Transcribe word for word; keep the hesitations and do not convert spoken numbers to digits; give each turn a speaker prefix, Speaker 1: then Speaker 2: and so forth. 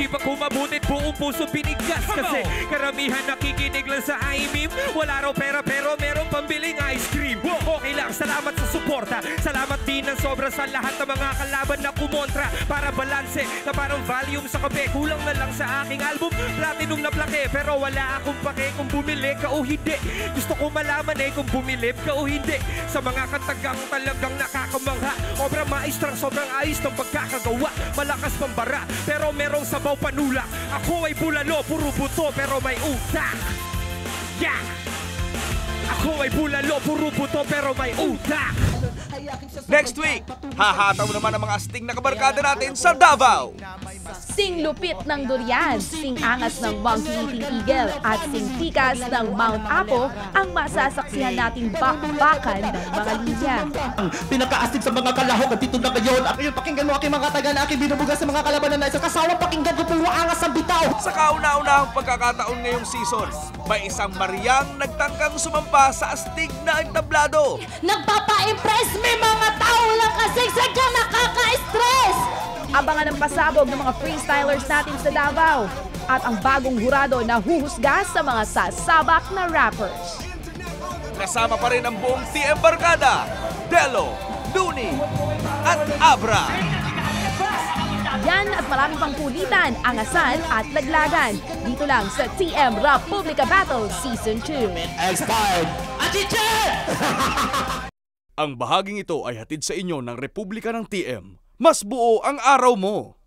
Speaker 1: isipan ko mabutit, buong puso binigas. Kasi karamihan nakikinig lang sa I-meme. Wala raw pera pero merong pambiling ice cream. Okay lang, salamat sa suporta. Salamat din ng sobra sa lahat ng mga kalaban na kumontra. Para balanse na parang volume sa kape. Kulang na lang sa aking album, platinum na plake. Pero wala akong pake kung bumili ka o hindi. Gusto ko malaman eh kung bumilib ka o hindi. Sa mga katagang talagang nakakamangha. Obra maestrang sobrang ayos ng pagkakagawa. Malakas pambara pero merong sabaw panulak. Ako ay bulalo, puro buto pero may utak. Yeah! Ako ay bulalo, puro buto pero may utak.
Speaker 2: Next week, hahataw naman ang mga asting na kabarkada natin sa Davao.
Speaker 3: Sing lupit ng durian, sing angas ng monkey eating eagle, at sing tikas ng Mount Apo ang masasaksihan nating bakbakan ng mga linya.
Speaker 4: Ang pinakaastig sa mga kalahok at dito na ngayon. At ngayon, pakinggan mo aking mga taga na aking binubugas sa mga kalabanan na isang kasawang pakinggan ko puro angas ang bitaw.
Speaker 2: Sa kauna-unahang pagkakataon ngayong season, may isang Mariang nagtangkang sumampa sa astig na entablado.
Speaker 5: Nagpapa-impress may mga tao lang kasi sadyang nakaka-stress.
Speaker 3: Abangan ang pasabog ng mga freestylers natin sa Davao at ang bagong hurado na huhusga sa mga sasabak na rappers.
Speaker 2: Kasama pa rin ang buong T M Barkada, Delo, Luni, at Abra.
Speaker 3: Yan at marami pang kulitan, angasan at laglagan. Dito lang sa T M Republica Battle Season two.
Speaker 4: Expired! Achiche!
Speaker 2: Ang bahaging ito ay hatid sa inyo ng Republika ng T M. Mas buo ang araw mo!